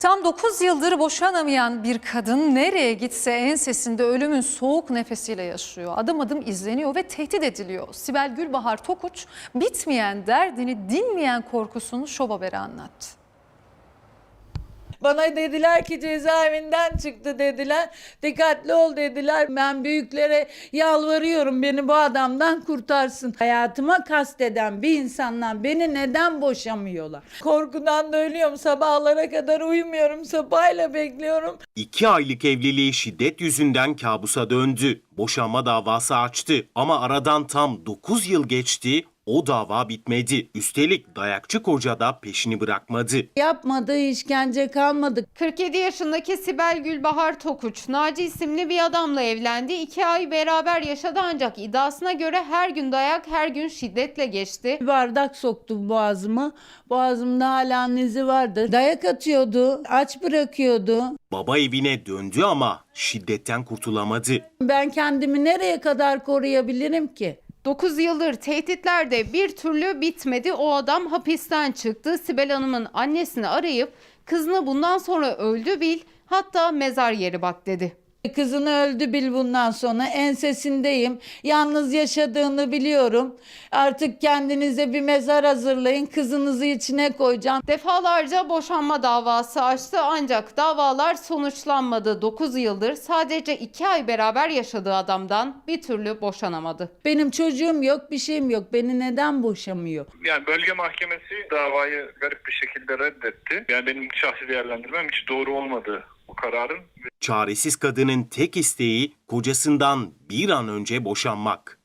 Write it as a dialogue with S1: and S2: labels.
S1: Tam 9 yıldır boşanamayan bir kadın nereye gitse ensesinde ölümün soğuk nefesiyle yaşıyor. Adım adım izleniyor ve tehdit ediliyor. Sibel Gülbahar Tokuç bitmeyen derdini, dinmeyen korkusunu Şov Haber'e anlattı.
S2: Bana dediler ki cezaevinden çıktı dediler. Dikkatli ol dediler. Ben büyüklere yalvarıyorum, beni bu adamdan kurtarsın. Hayatıma kasteden bir insandan beni neden boşamıyorlar? Korkudan da ölüyorum. Sabahlara kadar uyumuyorum. Sabahıyla bekliyorum.
S3: 2 aylık evliliği şiddet yüzünden kabusa döndü. Boşanma davası açtı ama aradan tam 9 yıl geçti. O dava bitmedi. Üstelik dayakçı koca da peşini bırakmadı.
S2: Yapmadığı işkence kalmadı.
S4: 47 yaşındaki Sibel Gülbahar Tokuç, Naci isimli bir adamla evlendi. 2 ay beraber yaşadı ancak iddiasına göre her gün dayak, her gün şiddetle geçti.
S2: Bir bardak soktu boğazıma. Boğazımda hala izi vardı. Dayak atıyordu, aç bırakıyordu.
S3: Baba evine döndü ama şiddetten kurtulamadı.
S2: Ben kendimi nereye kadar koruyabilirim ki?
S4: 9 yıldır tehditler de bir türlü bitmedi. O adam hapisten çıktı. Sibel Hanım'ın annesini arayıp kızını bundan sonra öldü bil, hatta mezar yeri bak dedi.
S2: Kızını öldü bil bundan sonra, ensesindeyim. Yalnız yaşadığını biliyorum. Artık kendinize bir mezar hazırlayın. Kızınızı içine koyacağım.
S4: Defalarca boşanma davası açtı ancak davalar sonuçlanmadı. 9 yıldır sadece 2 ay beraber yaşadığı adamdan bir türlü boşanamadı.
S2: Benim çocuğum yok, bir şeyim yok. Beni neden boşamıyor?
S5: Yani bölge mahkemesi davayı garip bir şekilde reddetti. Yani benim şahsi değerlendirmem hiç doğru olmadı bu kararın.
S3: Çaresiz kadının tek isteği kocasından bir an önce boşanmak.